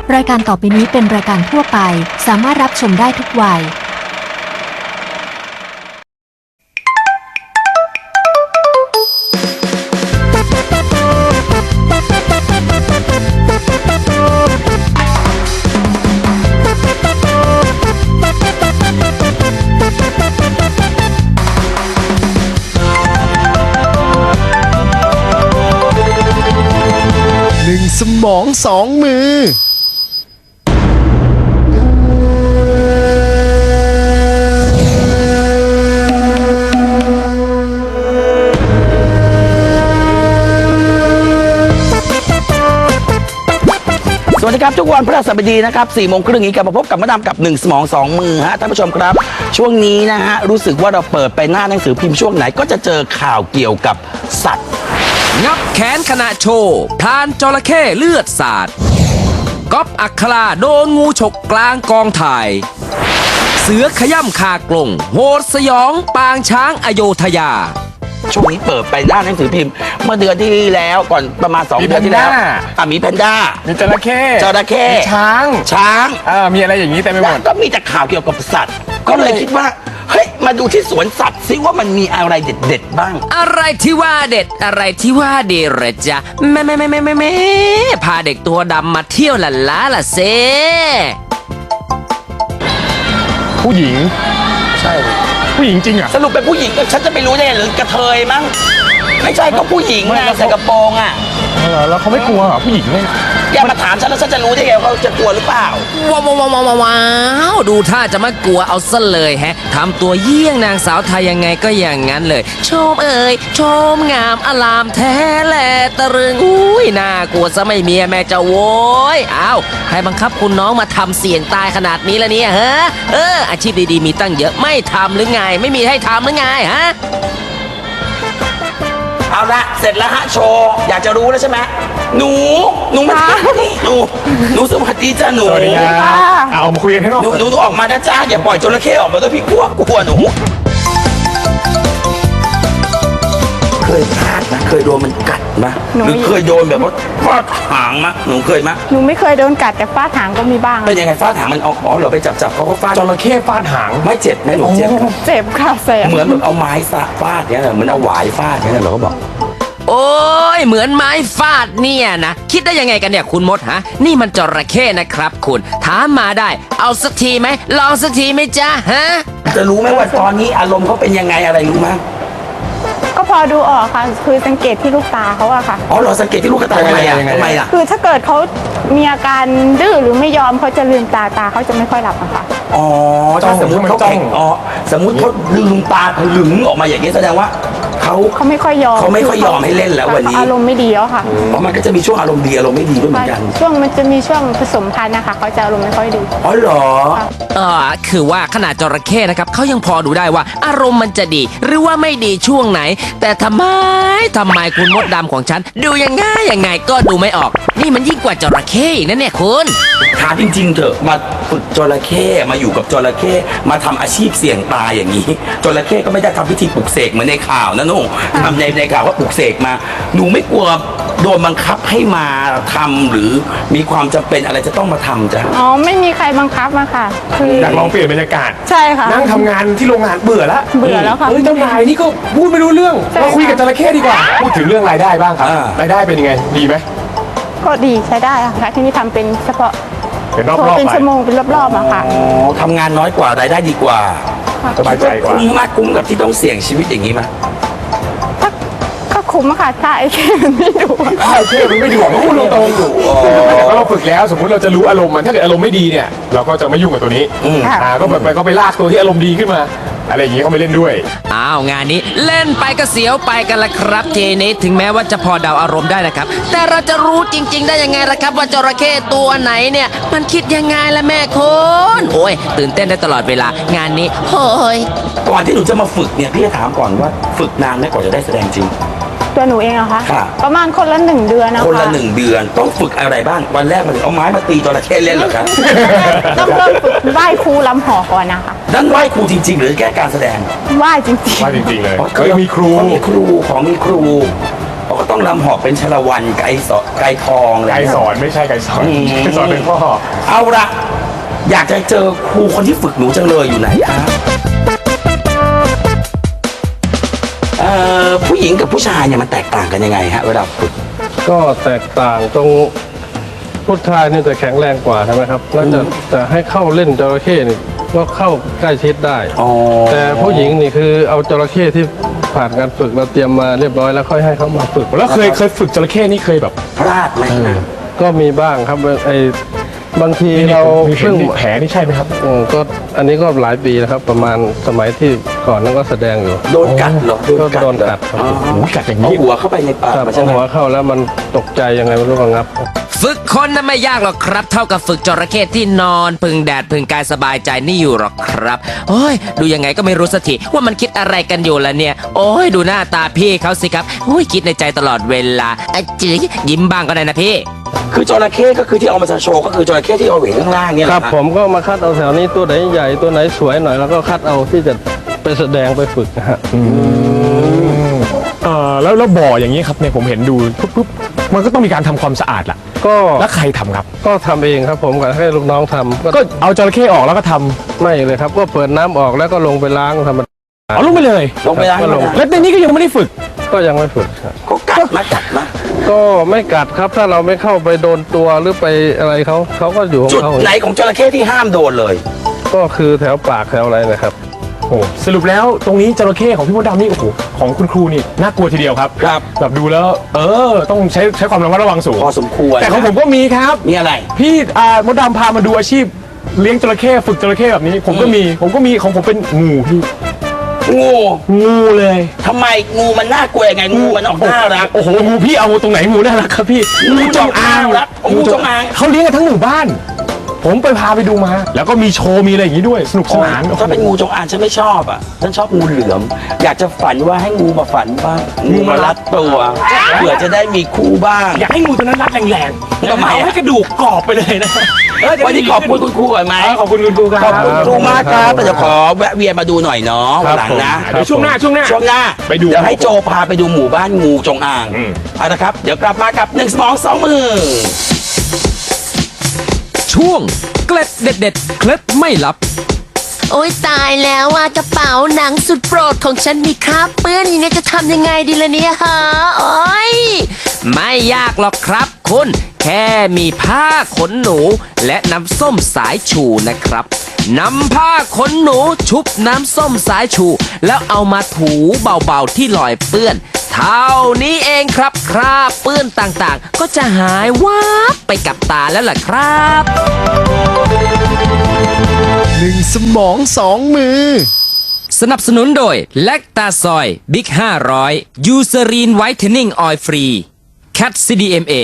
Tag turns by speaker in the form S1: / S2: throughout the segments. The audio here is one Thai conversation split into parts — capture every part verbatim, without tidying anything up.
S1: รายการต่อไปนี้เป็นรายการทั่วไปสามารถรับชมได้ทุกวัย
S2: หนึ่งสมองสองมือ
S3: สวัสดีครับทุกวันพฤหัสบดีนะครับสี่โมงครึ่งนี้กลับมาพบกับมาดามกับหนึ่งสมองสองมือฮะท่านผู้ชมครับช่วงนี้นะฮะรู้สึกว่าเราเปิดไปหน้าหนังสือพิมพ์ช่วงไหนก็จะเจอข่าวเกี่ยวกับสัตว์
S4: งับแขนขณะโชว์พลานจระเข้เลือดสาดก๊อฟอัคราโดนงูฉกกลางกองถ่าย เสือขย่ำคากลงโหดสยองปางช้างอโยธยา
S3: ช่วงนี้เปิดไปหน้าหนังสือพิมพ์เมื่อเดือนที่แล้วก่อนประมาณสองเดือนที่แล้วอ่ะมีแพนด้า
S2: มีจระเข้
S3: จระเข้
S2: มีช้าง
S3: ช้าง
S2: อ่ามีอะไรอย่างนี้เต็มไปหมด
S3: ก็มีแต่ข่าวเกี่ยวกับสัตว์ก็เลยคิดว่าเฮ้ยมาดูที่สวนสัตว์ซิว่ามันมีอะไรเด็ดๆบ้าง
S4: อะไรที่ว่าเด็ดอะไรที่ว่าเด็ดเหรอจ๊ะแม่แม่แม่แม่แม่แม่พาเด็กตัวดำมาเที่ยวละล้าละเซ
S2: ผู้หญิง
S3: ใช่
S2: ผู้หญิงจริงอ่ะ
S3: สรุปเป็นผู้หญิงก็ฉันจะไปรู้ได้หรือกระเทยมั้งไม่ใช่ก็ผู้หญิงไงใส่กระโปรงอ่ะ
S2: แล้วเขาไม่กลัวเหรอผู้หญิงเนี่ย
S3: อย่ามาถามฉันแล้วฉันจะรู้ได้ไงเขาจะกลัวหรือเปล่า
S4: ว้าวว้าวว้าวว้าวดูท่าจะไม่กลัวเอาซะเลยแฮะทำตัวเยี่ยงนางสาวไทยยังไงก็อย่างนั้นเลยชมเอ่ยชมงามอลามแท้แหละตะรึงอุ้ยน่ากลัวซะไม่เมียแม่จะโว้ยอ้าวใครบังคับคุณน้องมาทำเสี่ยงตายขนาดนี้ละเนี่ยฮะเอออาชีพดีๆมีตั้งเยอะไม่ทำหรือไงไม่มีให้ทำหรือไงฮะ
S3: เอาละเสร็จแล้วฮะโชว์อยากจะรู้แล้วใช่ไหมหนูหนูมาหนูหนูสวัสดีจ้าหนู
S2: สวัสดีค่ะเอามาคุยกันให้นอก
S3: หนูหนูออกมานะจ้าอย่าปล่อยจระเข้ออกมาด้วยพี่กลัวกลัวหนูเคยพลาดนะเคยโดนมันกัดมั้ยหรือเคยโดนแบบว่าฟาดหางมั้ยหนูเคยมั้ย
S5: หนูไม่เคยโดนกัดแต่ฟาดหางก็มีบ้าง
S3: เป็นยังไงฟาดหางมันเอาอ๋อเราไปจับจับเขาก็ฟาด
S2: จระเข้ฟาดหาง
S3: ไม่เจ็บไหมหนูเจ็บ
S5: เจ็บค่ะแสบ
S3: เหมือนแบบเอาไม้ฟาดเนี่ยเหมือนเอาหวายฟาดเนี่ยเราก็บอก
S4: โอ้ยเหมือนไม้ฟาดเนี่ยนะคิดได้ยังไงกันเนี่ยคุณมดฮะนี่มันจระเข้นะครับคุณถามมาได้เอาสักทีไหมลองสักทีไหมจ๊ะฮะ
S3: จะรู้ไหมว่าตอนนี้อารมณ์เขาเป็นยังไงอะไรรู้ไหม
S5: ก็พอดูออกค่ะคือสังเกตที่ลูกตาเขาอะค่ะ
S3: อ๋อเราสังเกตที่ลูกตาทำไมอะทำไมอะ
S5: คือถ้าเกิดเขามีอาการดื้อหรือไม่ยอมเขาจะลืมตาตาเขาจะไม่ค่อยหลับอะค่ะ
S3: อ๋อถ้าสมมติเขาจ้องอ๋อสมมติเขาลืมตาหลึงออกมาอย่างนี้แสดงว่าเขา
S5: เขาไม่ค่อยยอม
S3: เขาไม่ค่อยยอมให้เล่นแล้ววันนี้
S5: อารมณ์ไม่ดีแล้วค่ะ
S3: อ๋อมันก็จะมีช่วงอารมณ์ดีอารมณ์ไม่ดีด้วยเหมือนกัน
S5: ช่วงมันจะมีช่วงผสมพันธุ์นะคะเขาจะอารมณ์ไม่ค่อยดี
S3: อ๋อเหรอ
S4: เออคือว่าขนาดจระเข้นะครับเขายังพอดูได้ว่าอารมณ์มันจะดีหรือว่าไม่ดีช่วงไหนแต่ทำไมทำไมคุณมดดำของฉันดูยังไงยังไงก็ดูไม่ออกนี่มันยิ่งกว่าจระเข้อีกนะเนี่ยคุณ
S3: ถามจริงๆเถอะมาฝึกจระเข้มาอยู่กับจระเข้มาทำอาชีพเสี่ยงตายอย่างนี้จระเข้ก็ไม่ได้ทำพิธีปลุกเสกเหมือนในข่าวนะนุ่งทำในในข่าวว่าปลุกเสกมาหนูไม่กลัวโดนบังคับให้มาทำหรือมีความจำเป็นอะไรจะต้องมาทำจ้ะ
S5: อ๋อไม่มีใครบังคับมาค่ะ
S2: คืออยากลองเปลี่ยนบรรยากาศ
S5: ใช่ค่ะ
S2: นั่งทำงานที่โรงงานเบื่อแล้ว
S5: เบื่อแล้วค่ะ
S2: เฮ้ยเจ้านายนี่ก็พูดไม่รู้เรื่องมาคุยกับจระเข้ดีกว่าพูดถึงเรื่องรายได้บ้างครับรายได้เป็นยังไงดีไหม
S5: ก็ดีใช้ได้ค่ะที่นี่ทำเป็นเฉพาะ
S2: เป็นรอบๆ
S5: เป็นชั่วโมงเป็นรอบๆอะค่ะ
S3: ทำงานน้อยกว่ารายได้ดีกว่า
S2: สบายใจกว่า
S3: คุ้มมากคุ้มกับที่ต้องเสี่ยงชีวิตอย่างนี้ไหม
S5: ก็คุ้มอะค่ะถ้าไอ้แค่มันไม่ดู
S2: ไอ้แค่มันไม่ดูมันพูดตรงๆเราฝึกแล้วสมมติเราจะรู้อารมณ์มันถ้าเกิดอารมณ์ไม่ดีเนี่ยเราก็จะไม่ยุ่งกับตัวนี้อ่าก็แบบไปก็ไปลากตัวที่อารมณ์ดีขึ้นมาอะไรอย่างนี้เขาไม่เล่นด้วย
S4: อ้าวงานนี้เล่นไปก็เสียวไปกันละครับเจนี้ถึงแม้ว่าจะพอเดาอารมณ์ได้นะครับแต่เราจะรู้จริงๆได้ยังไงล่ะครับว่าจระเข้ตัวไหนเนี่ยมันคิดยังไงล่ะแม่คุณโอ้ยตื่นเต้นได้ตลอดเวลางานนี้โอ้ย
S3: ก่อนที่หนูจะมาฝึกเนี่ยพี่จะถามก่อนว่าฝึกนานไหมก่อนจะได้แสดงจริง
S5: ตัวหนูเองอะคะประมาณคนละหนึ่งเดือนนะคะ
S3: คนละหนึ่งเดือนต้องฝึกอะไรบ้างวันแรกมันเอาไม้มาตีจระเข้เล่นเหรอครับ
S5: ต้องเริ่มฝึกไหว้ครูลำหอก่อนนะคะ
S3: นั่นไหว้ครูจริงๆหรือแค่การแสดง
S5: ไหว้จริงๆ
S2: ไหว้จริงๆเลยเขามีครู
S3: มีครูของมีครูอ๋อก็ต้องลำหอกเป็นชาละวันไก่สอไก่ทองอะไร
S2: ไกรสอนไม่ใช่ไกรสอน
S3: อืม
S2: ไกรสอนเป็นพ่อ
S3: เอาละอยากจะเจอครูคนที่ฝึกหนูจังเลยอยู่ไหนครับเอ่อผู้หญิงกับผู้ชายเนี่ยมันแตกต่างกันยังไงฮะเวลาฝึก
S6: ก็แตกต่างตรงผู้ชายนี่จะแข็งแรงกว่าใช่ไหมครับแล้วจะจะให้เข้าเล่นจระเข้นี่ก็เข้าใกล้ชิดได้
S3: อ๋อ
S6: แต่ผู้หญิงนี่คือเอาจระเข้ที่ผ่านการฝึกเราเตรียมมาเรียบร้อยแล้วค่อยให้เขามาฝึก
S2: แล้วเคยเคยฝึกจระเข้นี่เคยแบบ
S3: พลาดไหมนะ
S6: ก็มีบ้างครับไอ้บางทีเรา
S2: มีเห็น
S6: เพิ่ง
S2: มีแผลนี่ใช่ไหมครับ
S6: อืมก็อันนี้ก็หลายปีแล้วครับ ประมาณสมัยที่ก่อนนั้นก็แสดงอยู่
S3: โดนกัดเหรอ
S6: ก็โดนกัดครับ
S3: อ๋อ
S2: โอ้โหกัดอย่าง
S3: เอา
S2: นี้
S3: หัวเข้าไปในปาก
S6: ครับ
S3: มัน
S6: พ
S3: ใช่
S6: อ
S3: ไหม
S6: หัวเข้าแล้วมันตกใจยังไงไม่รู้ก็งับ
S4: ฝึกคนนั้นไม่ยากหรอกครับ เท่ากับฝึกจระเข้ที่นอนพึ่งแดดพึ่งกายสบายใจนี่อยู่หรอกครับโอ้ยดูยังไงก็ไม่รู้สักทีว่ามันคิดอะไรกันอยู่ละเนี่ย โอ้ยดูหน้าตาพี่เขาสิครับโอ้ยคิดในใจตลอดเวลาอะจืยยิ้มบ้างก็ได้นะพี่
S3: คือจระเข้ก็คือที่เอามาโชว์ก็คือจระเข้ที่เอาเห็นข้างล่างเนี่ย
S6: ค
S3: แห
S6: รั
S3: ละ
S6: บผมก็มาคัดเอาแถวนี้ตัวไหนใหญ่ตัวไหนสวยหน่อยแล้วก็คัดเอาที่จะไปแสดงไปฝึกนะฮะ
S2: เออแล้วแล้วบ่ออย่างนี้ครับเนี่ยผมเห็นดูปุ๊บปุ๊บมันก็ต้องมีการทำความสะอาดล่ะ
S6: ก็
S2: แล้วใครทำครับ
S6: ก็ทำเองครับผมกับให้ลูกน้องทำก็
S2: ก็เอาจระเข้ออกแล้วก็ทำ
S6: ไม่เลยครับ ก็เปิดน้ำออกแล้วก็ลงไปล้างธรรมดา
S2: เอาลงไปเลย
S3: ลงไปล้าง
S6: ก็ลง
S2: แล้วในนี้ก็ยังไม่ได้ฝึก
S6: ก็ยังไม่ฝึกครับ
S3: เขากัดมากัดมา
S6: ก็ไม่กัดครับถ้าเราไม่เข้าไปโดนตัวหรือไปอะไรเขาเขาก็อยู่ของ
S3: จุด
S6: เขา
S3: ไหนของจระเข้ที่ห้ามโดนเลย
S6: ก็คือแถวปากแถวอะไรนะครับ
S2: โอ้สรุปแล้วตรงนี้จระเข้ของพี่มดดำนี่โอ้โหของคุณครูนี่น่ากลัวทีเดียวครับ
S3: ครับ
S2: แบบดูแล้ว เออ ต้องใช้ใช้ความระมัดระวังสูง
S3: พอสมควร
S2: แต่ของผมก็มีครับ
S3: มีอะไร
S2: พี่อ่ามดดำพามาดูอาชีพเลี้ยงจระเข้ฝึกจระเข้แบบนี้ ผมก็มีผมก็มีของผมเป็นงูพี่
S3: งู
S2: งูเลย
S3: ทำไมงูมันน่ากลัวยังไงงูมันออกน่ารัก
S2: โอ้โหงูพี่เอาตรงไหนงูน่ารักครับพี่
S3: งูจงอางครับงูจงอาง
S2: เขาเลี้ยงกันทั้งหมู่บ้าน ผมไปพาไปดูมา แล้วก็มีโชว์มีอะไรอย่างนี้ด้วยสนุกสนาน
S3: ถ้าเป็นงูจงอางฉันไม่ชอบอ่ะฉันชอบงูเหลือม อยากจะฝันว่าให้งูมาฝันบ้างงูมารัดตัวเผื่อจะได้มีคู่บ้าง
S2: อยากให้งูตัวนั้นรัดแรงๆ
S3: ทำไมอะ
S2: เอาให้กระดูกกรอบไปเลยนะ
S3: วันนี้ขอบคุณคุณครูก่อนไหม
S2: เออขอบคุณคุณครูครับ
S3: ขอบคุณครูมากครับ
S6: ครับ
S3: แต่จะขอแวะเวียนมาดูหน่อยเนาะวันหลังนะ
S6: ครับ
S2: เดี๋ยวช่วงหน้าช่วงหน้า
S3: ช่วงหน้า
S2: ไปดู
S3: เดี๋ยวให้โจพาไปดูหมู่บ้านงูจงอาง
S2: อืม
S3: เอาละครับ เดี๋ยวกลับมากับหนึ่งสมองสองมือ
S4: ช่วงเกล็ดเด็ดๆเคล็ดไม่ลับ
S1: โอ๊ยตายแล้วว่ากระเป๋าหนังสุดโปรดของฉันมีคราบเปื้อนอย่างนี้จะทำยังไงดีล่ะเนี่ยฮะโอ๊ย
S4: ไม่ยากหรอกครับคุณ แค่มีผ้าขนหนู และน้ำส้มสายชูนะครับนำผ้าขนหนูชุบน้ำส้มสายชู แล้วเอามาถูเบาๆที่รอยเปื้อน เท่านี้เองครับคราบเปื้อนต่างๆ ก็จะหายวับไปกับตาแล้วล่ะครับ
S7: หนึ่งสมองสองมือ
S4: สนับสนุนโดยแลคตาซอยบิ๊กห้าร้อยยูเซรีนไวท์เทนนิ่งออยล์ฟรีแคท ซี ดี เอ็ม เอ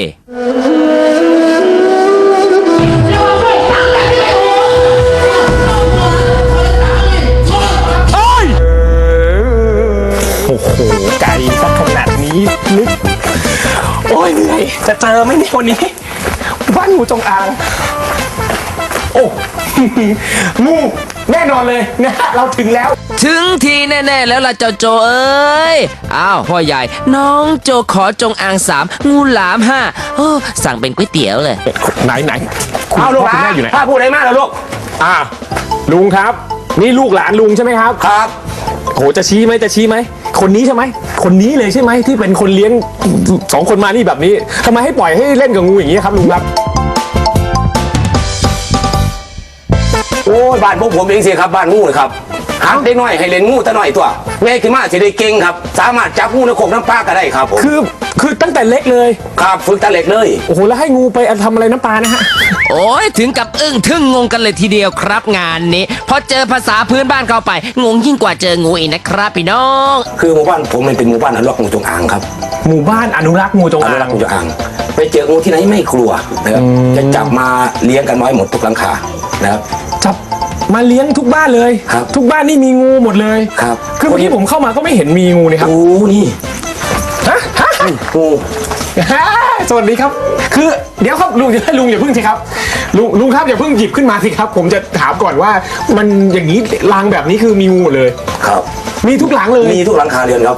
S2: โอ้โหไกลสักขนาดนี้นึกโอ้ยเหนื่อยจะเจอไหมเนี่ยวันนี้บ้านงูจงอาง โอ้ งูแน่นอนเลยนะเราถึงแล้ว
S4: ถึงทีแน่ ๆ แล้วล่ะเจ้าโจเอ้ย อ้าวพ่อใหญ่ น้องโจขอจงอางสามงูหลามห้าโอ้สั่งเป็นก๋วยเตี๋ยวเลย
S2: ไหนไหนคุณ
S3: เอาลูก
S2: พ่อ
S3: ห
S2: คุณ
S3: ลา
S2: แม่
S3: น
S2: อยู่ไหน
S3: ถ้าพูดอะไรมากแล้วลูก
S2: อ่าลุงครับ นี่ลูกหลานลุงใช่ไหมครับ
S3: ครับ
S2: โหจะชี้ไหมจะชี้ไหมคนนี้ใช่ไหมคนนี้เลยใช่ไหมที่เป็นคนเลี้ยงสองคนมานี่แบบนี้ทำไมให้ปล่อยให้เล่นกับงูอย่างนี้ครับลุงครับ
S3: โอ้ยบ้านพวกผมเองสิครับบ้านงูเลยครับหักได้น้อยให้เล่นงูแต่น้อยตัวแม่ขึ้นมาสิได้เก่งครับ สามารถจับงูในโขกน้ำปลาก็ได้ครับผม
S2: คือคือตั้งแต่เล็กเลย
S3: ครับฝึกตะเล็กเลย
S2: โอ้โหแล้วให้งูไปทำอะไรน้ำปลานะฮะ
S4: โอ้ยถึงกับอึ้งทึ่งงงกันเลยทีเดียวครับงานนี้พอเจอภาษาพื้นบ้านเข้าไป งงยิ่งกว่าเจองูอีกนะครับพี่น้อง
S3: คือหมู่บ้านผมมันเป็นหมู่บ้านอนุรักษ์งูจงอางครับ
S2: หมู่บ้านอนุรักษ์งูจง
S3: อ
S2: อา
S3: นุรัก
S2: ง
S3: ษ์งูจงอางไปเจองูที่ไหนไม่กลัวนะครับจะจับมาเลี้ยงกันไว้หมดทุกหลังคานะครับ
S2: จับมาเลี้ยงทุกบ้านเลย
S3: ครับ
S2: ทุกบ้านนี่มีงูหมดเลย
S3: ครับ
S2: คือเมื่อกี้ผมเข้ามาก็ไม่เห็นมีงูเลยครับ
S3: โอ้นี่
S2: ฮะฮะ
S3: งู
S2: ฮ่าสวัสดีครับ คือเดี๋ยวครับลุงอย่าลุงอย่าเพิ่งสิครับลุงลุงครับอย่าเพิ่งหยิบขึ้นมาสิครับ ผมจะถามก่อนว่ามันอย่างนี้รังแบบนี้คือมีงูหมดเลย
S3: ครับ
S2: มีทุกหลังเลย
S3: มีทุกหลังคาเรือนครับ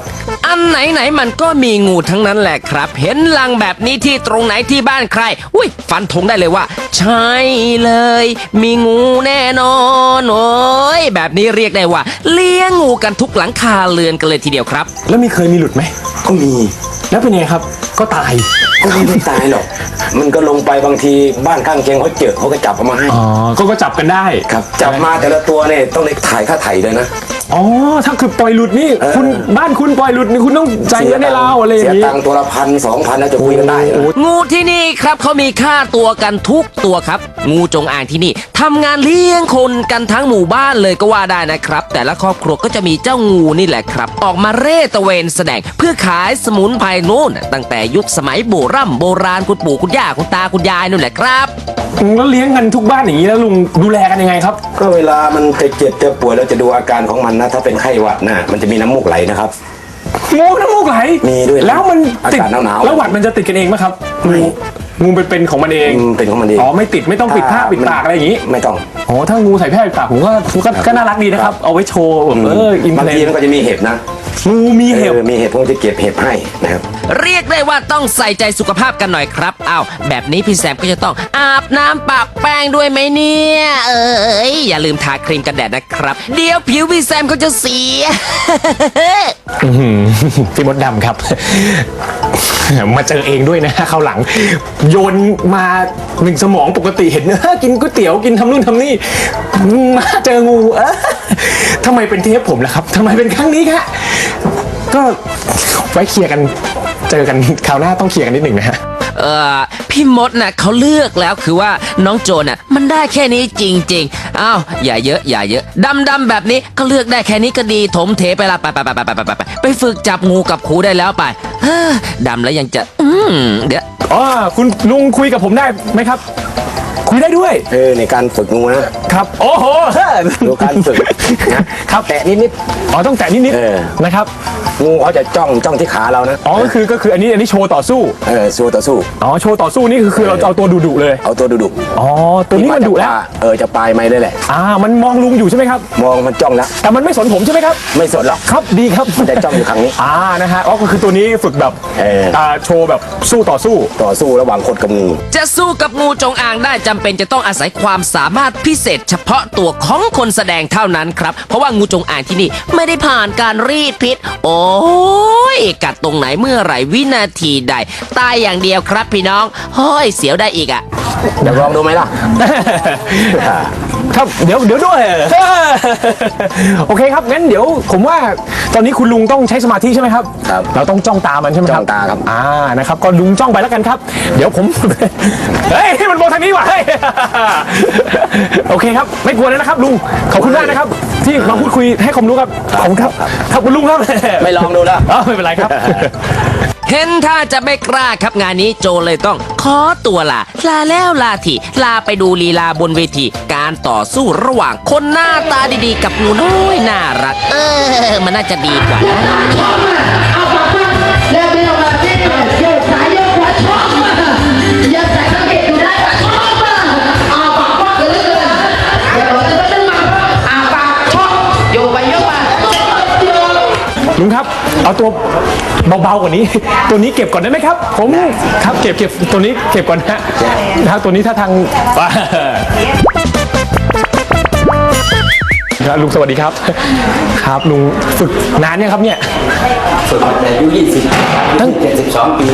S4: อันไหนไหนๆมันก็มีงูทั้งนั้นแหละครับ เห็นลังแบบนี้ที่ตรงไหนที่บ้านใคร อุ้ยฟันธงได้เลยว่า ใช่เลย มีงูแน่นอนโอ้ยแบบนี้เรียกได้ว่า เลี้ยงงูกันทุกหลังคาเรือนกันเลยทีเดียวครับ
S2: แล้วมีเคยมีหลุดไหม
S3: ก็มี
S2: แล้วเป็นไงครับ ก็ตาย
S3: ก็ไม่ได้ตายหรอก มันก็ลงไปบางทีบ้านข้างเคียงเขาเจอเขาก็จับเอามาให้
S2: อ๋อ ก็ก็จับกันได้
S3: ครับ จับมาแต่ละตัวเนี่ยต้องได้ถ่ายค่าไถ่เลยนะ
S2: อ๋อ ถ้าคือปล่อยหลุดนี่
S3: เออ
S2: คุณบ้านคุณปล่อยหลุดนี่คุณต้องจ่ายเงินให้เราอะไรอย่าง
S3: เสีย
S2: นี้
S3: ตังค์ตัวละพันสองพันแล้วจะคุยกันได้นะ
S4: งูที่นี่ครับเขามีค่าตัวกันทุกตัวครับ งูจงอางที่นี่ทำงานเลี้ยงคนกันทั้งหมู่บ้านเลยก็ว่าได้นะครับ แต่ละครอบครัวก็จะมีเจ้างูนี่แหละครับ ออกมาเร่ตระเวนแสดงเพื่อขายสมุนไพรนู่นตั้งแต่ยุคสมัยโบรำโบราณคุณปู่คุณย่าคุณตาคุณยายนู่นแหละครับ
S2: แล้วเลี้ยงกันทุกบ้านอย่างนี้แล้วลุงดูแลกันยังไงครับ
S3: ก็เวลามันจะเจ็บจะป่วยเราจะดูอาการของมันนะ ถ้าเป็นไข้หวัดนะมันจะมีน้ำมูกไหลนะครับ
S2: งูน้ำมูกไหล
S3: มีด้วย
S2: แล้วมันติด
S3: อากาศหนาวๆ
S2: แล้วหวัดมันจะติดกันเองไหมครับ
S3: ไม่
S2: งูงูเป็นเป็นของมันเอง
S3: อืมเป็นของมันเอง
S2: อ๋อไม่ติดไม่ต้องปิดผ้าปิดปากอะไรอย่างนี้
S3: ไม่ต้อง
S2: อ๋อถ้างูใส่ผ้าปิดปากผมก็ผมก็ก็น่ารักดีนะครับ เอาไว้โชว์แบบเอออิน
S3: บาง
S2: เพล
S3: ทีมันก็จะมีเห็บนะ
S2: งูมีเห็บ
S3: ออมีเห็บผมจะเก็บเห็บให้นะครับ
S4: เรียกได้ว่าต้องใส่ใจสุขภาพกันหน่อยครับอ้าวแบบนี้พี่แซมก็จะต้องอาบน้ำปะแป้งด้วยไหมเนี่ย เอ้ยอย่าลืมทาครีมกันแดดนะครับ เดี๋ยวผิวพี่แซมก็จะเสีย
S2: อื้อหือพี่มดดำครับ มาเจอเองด้วยนะเข้าวหลัง โยนมาหนึ่งสมองปกติเห็นเออกินก๋วยเตี๋ยวกินทำนู่นทำนี่มาเจองูเออทำไมเป็นเทปผมล่ะครับทำไมเป็นครั้งนี้ครับก็ไว้เคลียร์กันเจอกันคราวหน้าต้องเคลียร์กันนิดหนึ่งนะฮะ
S4: เออพี่มดน่ะเขาเลือกแล้วคือว่าน้องโจน่ะมันได้แค่นี้จริงๆอ้าวอย่าเยอะอย่าเยอะดำดำๆแบบนี้ก็เลือกได้แค่นี้ก็ดีถมเทไปละไปไปไปไปไปไปไปไปฝึกจับงูกับครูได้แล้วไปเฮ้อดำแล้วยังจะอืมเดี๋ยว
S2: อ๋อคุณลุงคุยกับผมได้ไหมครับ คุยได้ด้วย
S3: เออในการฝึกงูนะครับ
S2: โอ้โห
S3: ดูการฝึกนะครับแตะนิด
S2: อ๋อต้องแตะนิด
S3: เออ
S2: ๆนะครับ
S3: ๆงูเขาจะจ้องจ้องที่ขาเรานะ
S2: อ๋อก็คือก็คืออันนี้อันนี้โชว์ต่อสู้
S3: เออสู้ต่อสู้
S2: อ๋อโชว์ต่อสู้นี่คือคือเราจะเอาตัวดุๆเลย
S3: เอาตัวดุดุ
S2: อ๋อตัวนี้มันดุแล้ว
S3: เออจะปลายไม้ได้แหละ
S2: อ่ามันมองลุงอยู่ใช่ไหมครับ
S3: มองมันจ้องแล้ว
S2: แต่มันไม่สนผมใช่ไหมครับ
S3: ไม่สนหรอก
S2: ครับดีครับ
S3: มันจะจ้องอยู่ครั้งนี้
S2: อ่านะฮะอ๋อก็คือตัวนี้ฝึกแบบ
S3: เออ
S2: อ่าโชว์แบบสู้ต่อสู้
S3: ต่อสู้ระหว่างคนกับงู
S4: จะสู้กับงูจงอางได้จำเป็นจะต้องอาศัยความสามารถพิเศษเฉพาะตัวของคนแสดงเท่านั้นครับ เพราะว่างูจงอางที่นี่ไม่ได้ผ่านการรีดพิษ โอ้ยกัดตรงไหนเมื่อไหร่วินาทีใด ตายอย่างเดียวครับพี่น้องเฮ้ยเสียวได้อีกอะ
S3: เดี๋ยวลองดูไหมล่ะ
S2: ครับเดี๋ยวเดี๋ยวด้วย โอเคครับงั้นเดี๋ยวผมว่าตอนนี้คุณลุงต้องใช้สมาธิใช่ไหมครับ
S3: ครับ
S2: เราต้องจ้องตามันใช่ไหมครับ
S3: จ้องตาครับ
S2: อ่านะครับก็ลุงจ้องไปแล้วกันครับ เดี๋ยวผม เฮ้ยมันมองทางนี้ว่ะเฮ้ย โอเคครับไม่กลัวแล้วนะครับลุงขอบคุณมากนะครับ ที่มาพูดคุยให้ความรู้ครับขอบคุณครับครับคุณลุงครับ
S3: ไม่ลองดูแล้ว
S2: อ๋อไม่เป็นไรครับ
S4: เห็นถ้าจะไม่กล้าครับงานนี้โจเลยต้องขอตัวลาลาแล้วลาทีลาไปดูลีลาบนเวที การต่อสู้ระหว่างคนหน้าตาดีๆ กับงูน้อยน่ารัก เออ มันน่าจะดีกว่านะ
S8: แล้วไม่ต้องมาที่โยกซ้ายโยกขวาชอบมาอย่าใส่กางเกงอยู่ได้ว่าชอบมาอาปากว่ากันเลยเดี๋ยวเราจะต้องมาอาปากชอบโยกไปโยกมา
S2: ลุงครับ เอาตัวเบาๆกว่านี้ ตัวนี้เก็บก่อนได้ไหมครับ ผมครับเก็บเก็บตัวนี้เก็บก่อนนะนะครับตัวนี้ถ้าทาง ครับลุงสวัสดีครับ ครับลุงฝึกนานเนี่ยงครับเนี่ย
S3: ฝึกมาแต่อายุยี่สิบตั้งเจ็ดสิบสองปี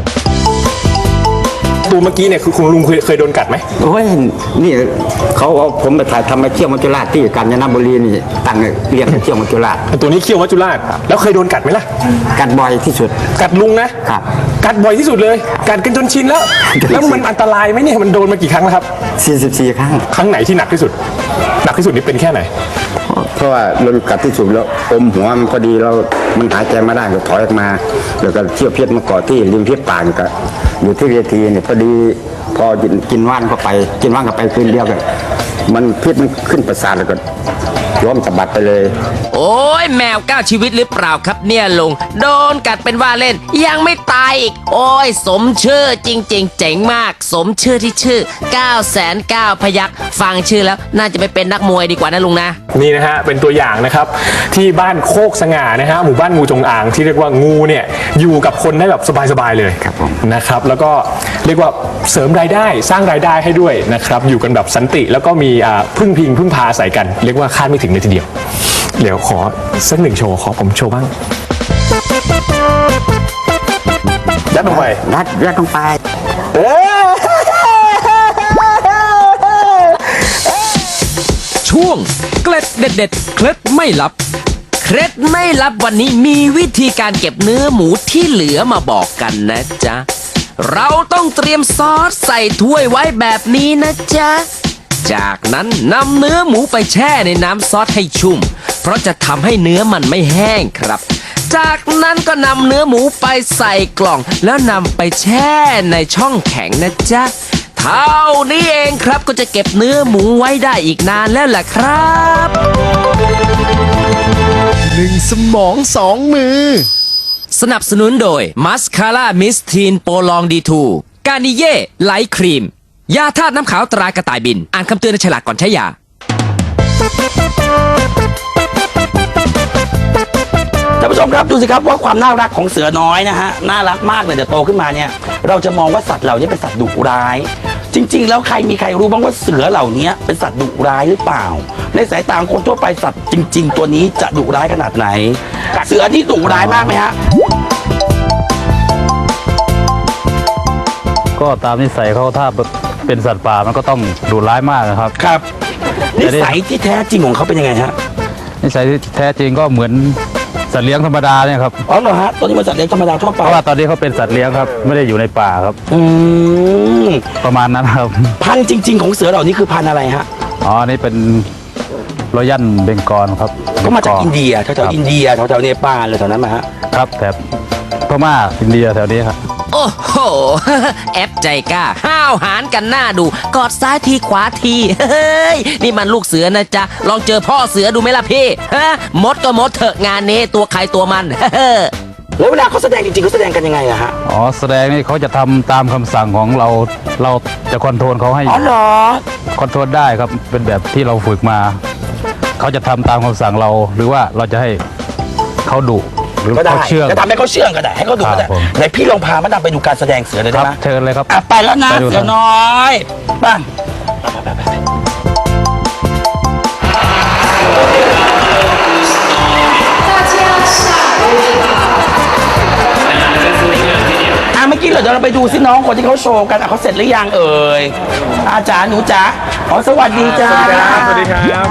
S2: ตัวเมื่อกี้เนี่ยคือคุณลุงเคยเคยโดนกัดไหม
S9: โอ้ยนี่เขาเอาผมไปถ่ายทำมาเที่ยวมัจจุราชที่กาญจนบุรีนี่ตั้งเรียกเที่ยวมัจจุราช
S2: ตัวนี้เขี้ยวมัจจุราชแล้วเคยโดนกัดไหมล่ะ
S9: กัดบ่อยที่สุด
S2: กัดลุงนะครับ กัดบ่อยที่สุดเลย กัดกันจนชินแล้ว แล้วมันอันตรายไหมเนี่ยมันโดนมากี่ครั้งแล้วครับ
S9: สี่สิบสี่ ครั้ง
S2: ครั้งไหนที่หนักที่สุด หนักที่สุดนี่เป็นแค่ไหน
S9: เพราะว่าโดนกัดที่สุดแล้วอมหัวมันพอดีเรามันหายใจไม่ได้ก็ถอยออกมาแล้วก็เที่ยวเพชรมาเกาะที่ริมเพชรป่านก็อยู่ที่เวทีเนี่ยพอดีพอกินว่านเข้าไป กินว่านเข้าไปคืนเดียวกันมันพิษมันขึ้นประสาทแล้วก็ล้มสะบัดไปเลย
S4: โอ้ยแมวเก้าชีวิตหรือเปล่าครับเนี่ยลุงโดนกัดเป็นว่าเล่นยังไม่ตายอีก โอ้ยสมชื่อจริงๆเจ๋งมาก สมชื่อที่ชื่อ9ก้าแสนเก้าพยัคฆ์ฟังชื่อแล้วน่าจะไปเป็นนักมวยดีกว่านะลุงนะ
S2: นี่นะฮะเป็นตัวอย่างนะครับที่บ้านโคกสง่านะฮะหมู่บ้านงูจงอางที่เรียกว่างูเนี่ยอยู่กับคนได้แบบสบายๆเลย
S9: ครับผม
S2: นะครับแล้วก็เรียกว่าเสริมรายได้สร้างรายได้ให้ด้วยนะครับอยู่กันแบบสันติแล้วก็มีอ่าพึ่งพิงพึ่งพาอาศัยกัน เรียกว่าคาดไม่ถึงเลยทีเดียวเดี๋ยวขอสักหนึ่งโชว์ขอผมโชว์บ้างยัดลงไป
S9: ยัดยัดลงไป
S4: ช่วงเกล็ดเด็ดๆเคล็ดไม่ลับ เคล็ดไม่ลับวันนี้มีวิธีการเก็บเนื้อหมูที่เหลือมาบอกกันนะจ๊ะ เราต้องเตรียมซอสใส่ถ้วยไว้แบบนี้นะจ๊ะ จากนั้นนำเนื้อหมูไปแช่ในน้ำซอสให้ชุ่ม เพราะจะทำให้เนื้อมันไม่แห้งครับ จากนั้นก็นำเนื้อหมูไปใส่กล่อง แล้วนำไปแช่ในช่องแข็งนะจ๊ะ เท่านี้เองครับก็จะเก็บเนื้อหมูไว้ได้อีกนานแล้วล่ะครับ
S7: หนึ่งสมองสองมือ
S4: สนับสนุนโดยมัสคาร่ามิสทีนโปลองดีทูกานิเย่ไลท์ครีม ยาธาตุน้ำขาวตรากระต่ายบิน อ่านคำเตือนในฉลากก่อนใช้ยา
S3: ท่านผู้ชมครับดูสิครับว่าความน่ารักของเสือน้อยนะฮะน่ารักมากเลยเดี๋ยวโตขึ้นมาเนี่ยเราจะมองว่าสัตว์เหล่านี้เป็นสัตว์ดุร้าย จริง ๆ แล้วใครมีใครรู้บ้างว่าเสือเหล่านี้เป็นสัตว์ดุร้ายหรือเปล่า ในสายตาของคนทั่วไปสัตว์จริง ๆ ตัวนี้จะดุร้ายขนาดไหน เสือที่ดุร้ายมากไหมฮะ
S10: ก็ตามนิสัยเขาถ้าเป็นสัตว์ป่ามันก็ต้องดุร้ายมากนะครับ
S3: ครับนิสัยที่แท้จริงของเขาเป็นยังไงฮะ
S10: นิสัยที่แท้จริงก็เหมือนสัตว์เลี้ยงธรรมดาเนี่ยครับ
S3: อ๋อเหรอฮะตัวนี้มันสัตว์เลี้ยงธรรมดาทั่วไป
S10: เพราะว่าตอนนี้เขาเป็นสัตว์เลี้ยงครับไม่ได้อยู่ในป่าครับ
S3: อืม
S10: ประมาณนั้นครับ
S3: พันธุ์จริง ๆ ของเสือเหล่านี้คือพันธุ์อะไรฮะ
S10: อ๋อนี่เป็นรอยัลเบงกอลครับ
S3: ก็มาจาก
S10: บงล
S3: อินเดียแถวๆอินเดียแถวๆเนปาลอะไรแถวนั้นมาฮะ
S10: ครับแถบพม่าอินเดียแถวนี้ครับ
S4: โอ้โห แอปใจกล้า ห้าวหารกันหน้าดู กอดซ้ายทีขวาที เฮ้ย นี่มันลูกเสือนะจ๊ะ ลองเจอพ่อเสือดูไหมล่ะพี่ ฮะ มดก็มดเถอะงานนี้ตัวใครตัวมัน
S3: แล้วเวลาเขาแสดงจริงๆเขาแสดงกันยังไงอะฮะ
S10: อ๋อแสดงนี่เขาจะทำตามคำสั่งของเราเราจะคอนโทรลเขาให้
S3: อ๋อเหรอ
S10: คอนโทรลได้ครับเป็นแบบที่เราฝึกมา เขาจะทำตามคำสั่งเรา หรือว่าเราจะให้เขาดุหรือ
S3: ก็ได้
S10: เขาเชื่อง
S3: จะทำให้เขาเชื่องก็ได้ให้เขาดูก็ได้
S10: ครับผม
S3: ไหนพี่ลองพามาดามไปดูการแสดงเสือเลย
S10: ค
S3: ได้
S10: รับ
S3: ไหม
S10: เชิญเลยครับ
S3: อ่ะไปแล้วนะ
S10: ไปดู
S3: เสือน้อยไป้าอ่ะเมื่อกี้เหรอเดี๋ยวเราไปดูซิน้องคนที่เขาโชว์กันอ่ะเขาเสร็จหรือยังเอ่ยอาจารย์หนูจ๋าอ๋อสวัสดีจ้า
S2: สวัสดีครับ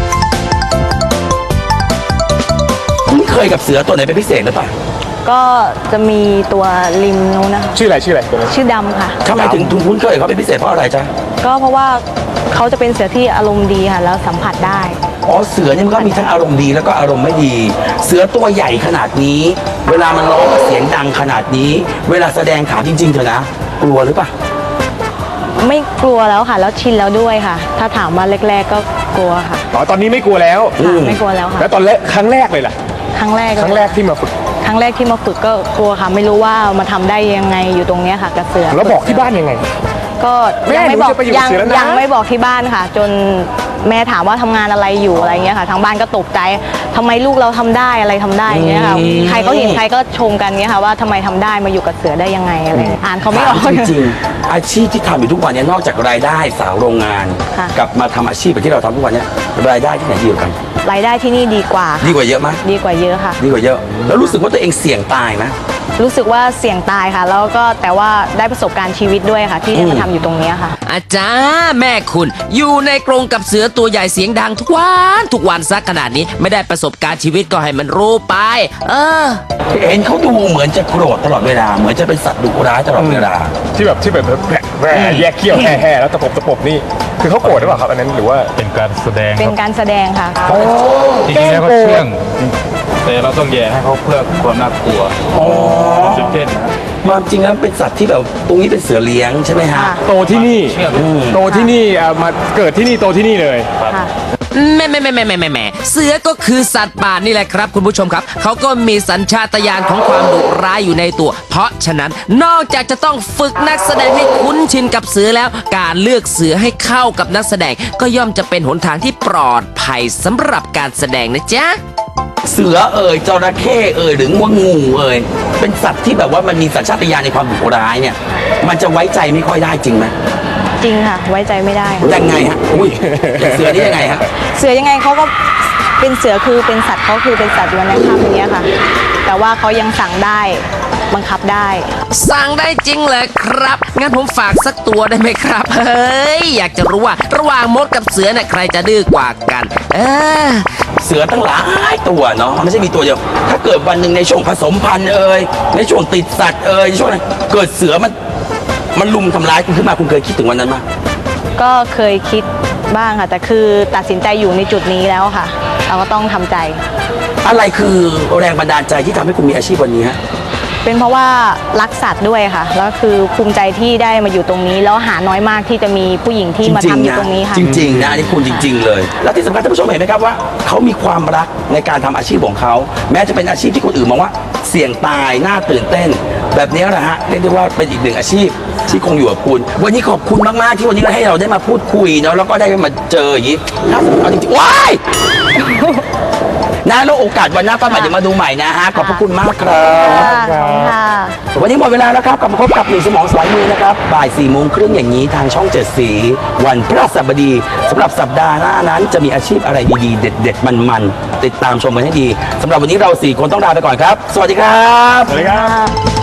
S3: คุ้นเคยกับเสือตัวไหนเป็นพิเศษหรือเปล่า
S5: ก็จะมีตัวริมนู้นนะคะ
S2: ชื่ออะไรชื่ออะไรตัวนี้
S5: ชื่อดำค่ะ
S3: ทำไมถึงถึงคุ้นเคยกับเขาเป็นพิเศษเพราะอะไรจ๊ะ
S5: ก็เพราะว่าเขาจะเป็นเสือที่อารมณ์ดีค่ะ แล้วสัมผัสได้
S3: อ๋อเสือเนี่ยมันก็มีทั้งอารมณ์ดีแล้วก็อารมณ์ไม่ดี เสือตัวใหญ่ขนาดนี้ เวลามันร้องเสียงดังขนาดนี้ เวลาแสดงถามจริงๆเถอะนะกลัวหรือเปล่า
S5: ไม่กลัวแล้วค่ะ แล้วชินแล้วด้วยค่ะ ถ้าถามว่าแรกๆก็กลัวค่ะ
S2: อ๋อตอนนี้ไม่กลัวแล้ว
S5: ค่ะไม่กลัวแล้วค่ะ
S2: แล้วตอนแรกครั้งแรกเลยล่ะ
S5: ครั้งแรก
S2: ครั้งแรกที่มาฝึก
S5: ครั้งแรกที่มาฝึกก็กลัวค่ะ ไม่รู้ว่ามาทำได้ยังไงอยู่ตรงเนี้ยค่ะกับเสือ
S2: แล้วบอกที่บ้านยังไง
S5: ก็
S2: แม่
S5: ยังไม่บอก
S2: หนูจะไปอยู่กับ
S5: ยัง
S2: เสือแล้วนะ
S5: ยังไม่บอกที่บ้านค่ะ จนแม่ถามว่าทำงานอะไรอยู่อะไรเงี้ยค่ะ ทางบ้านก็ตกใจทำไมลูกเราทำได้อะไรทำได้อย่างเงี้ยค่ะ ใครก็เห็นใครก็ชมกันเงี้ยค่ะว่าทำไมทำได้มาอยู่กับเสือได้ยังไงอะไรเงี้ยอ่านเขาไม่ออก
S3: ถามจริงๆอาชีพที่ทำอยู่ทุกวันเนี้นอกจากรายได้สาวโรงงาน
S5: ค่ะ
S3: กลับมาทำอาชีพแบบที่เราทำทุกวันเนี้รายได้ที่ไหนดีกว่ากัน
S5: รายได้ที่นี่ดีกว่า
S3: ดีกว่าเยอะไหม
S5: ดีกว่าเยอะค่ะ
S3: ดีกว่าเยอะ แล้วรู้สึกว่าตัวเองเสี่ยงตายไหม
S5: รู้สึกว่าเสี่ยงตายค่ะ แล้วก็แต่ว่าได้ประสบการณ์ชีวิตด้วยค่ะ ที่ได้มาทำอยู่ตรงเนี้ยค่ะ
S4: อาจารย์แม่คุณอยู่ในกรงกับเสือตัวใหญ่เสียงดังทุกวันทุกวันซักขนาดนี้ไม่ได้ประสบการณ์ชีวิตก็ให้มันรู้ไป เออ
S3: เห็นเขาดูเหมือนจะโกรธตลอดเวลา เหมือนจะเป็นสัตว์ดุร้ายตลอดเวลา
S2: ที่แบบที่แบบแผลแผลแยกเขี้ยวแห่แห่แล้วตะปบตะปบนี่คือเขาโกรธหรือเปล่าครับอันนั้นหรือว่า
S10: เป็นการแสดง
S5: เป็
S10: คน รับ
S5: การแสดงค่ะ
S10: จริงๆแล้วเขาเชื่อง แต่เราต้องแย่ให้เขาเพื่อความน่ากลัว
S3: อ๋อ
S10: จุดเด่นนะ
S3: ความจริงแล้วเป็นสัตว์ที่แบบตรงนี้เป็นเสือเลี้ยงใช่ไหมฮะ
S5: ค่ะ
S2: โตที่นี่
S10: เชื่อง
S2: โตที่นี่อ่ะมาเกิดที่นี่โตที่นี่เลย
S5: ค่ะ
S4: แม่แม่แม่แม่แม่แม่แม่เสือก็คือสัตว์ป่านี่แหละครับคุณผู้ชมครับ เขาก็มีสัญชาตญาณของความดุร้ายอยู่ในตัว เพราะฉะนั้นนอกจากจะต้องฝึกนักแสดงให้คุ้นชินกับเสือแล้ว การเลือกเสือให้เข้ากับนักแสดง ก็ย่อมจะเป็นหนทางที่ปลอดภัยสำหรับการแสดงนะจ๊ะ
S3: เสือเอ่ยจระเข้เอ่ยหรือว่างูเอ่ยเป็นสัตว์ที่แบบว่ามันมีสัญชาตญาณในความดุร้ายเนี่ย มันจะไว้ใจไม่ค่อยได้จริงไหม
S5: จริงค่ะ ไว้ใจไม่ได้ค่ะ
S3: ยังไงฮะอุ้ยอย่างเสือนี่ยังไงฮะ
S5: เสือยังไงเขาก็เป็นเสือคือเป็นสัตว์เขาคือเป็นสัตว์อยู่ในถ้ำอย่างเงี้ยค่ะ แต่ว่าเขายังสั่งได้บังคับได้
S4: สั่งได้จริงเลยครับ งั้นผมฝากสักตัวได้ไหมครับ เฮ้ย อยากจะรู้ว่าระหว่างมดกับเสือเนี่ยใครจะดื้อกว่ากัน เออ
S3: เสือตั้งหลายตัวเนาะไม่ใช่มีตัวเดียว ถ้าเกิดวันหนึ่งในช่วงผสมพันธุ์เอ่ยในช่วงติดสัตว์เอ่ยในช่วงนั้นเกิดเสือมันมันลุมทำร้ายคุณขึ้นมาคุณเคยคิดถึงวันนั้นไหม
S5: ก็เคยคิดบ้างค่ะ แต่คือตัดสินใจอยู่ในจุดนี้แล้วค่ะ เราก็ต้องทำใจ
S3: อะไรคือแรงบันดาลใจที่ทำให้คุณมีอาชีพวันนี้ฮะ
S5: เป็นเพราะว่ารักสัตว์ด้วยค่ะ แล้วคือภูมิใจที่ได้มาอยู่ตรงนี้ แล้วหาน้อยมากที่จะมีผู้หญิงที่มาทำอยู่ตรงนี้ค่ะ
S3: จริงๆนะอันนี้คุณจริง ๆ เลย แล้วที่สำคัญท่านผู้ชมเห็นไหมครับว่าเขามีความรักในการทำอาชีพของเขา แม้จะเป็นอาชีพที่คนอื่นมองว่าเสี่ยงตายน่าตื่นเต้น แบบนี้แหละฮะเรียกได้ว่าเป็นอีกหนึ่งอาชีพที่คงอยู่กับคุณ วันนี้ขอบคุณมากๆที่วันนี้ให้เราได้มาพูดคุยเนาะแล้วก็ได้มาเจออย่างนี้ถ้าสมมติเอาจริงๆว้าย นะแล้วโอกาสวันหน้าป้าใหม่จะมาดูใหม่นะฮะขอบพระคุณมากครับ
S5: ค่ะขอบคุณค่ะ
S3: วันนี้หมดเวลาแล้วครับกลับมาพบกับหนึ่งสมองสายมือนะครับบ่ายสี่โมงครึ่งอย่างนี้ทางช่องเจ็ดสีวันพฤหัสบดีสำหรับสัปดาห์หน้านั้นจะมีอาชีพอะไรดีๆ เด็ดๆมันๆติดตามชมกันให้ดีสำหรับวันนี้เราสี่คนต้องลาไปก่อนครับ สวัสดีครับ
S2: สวัสดีครับ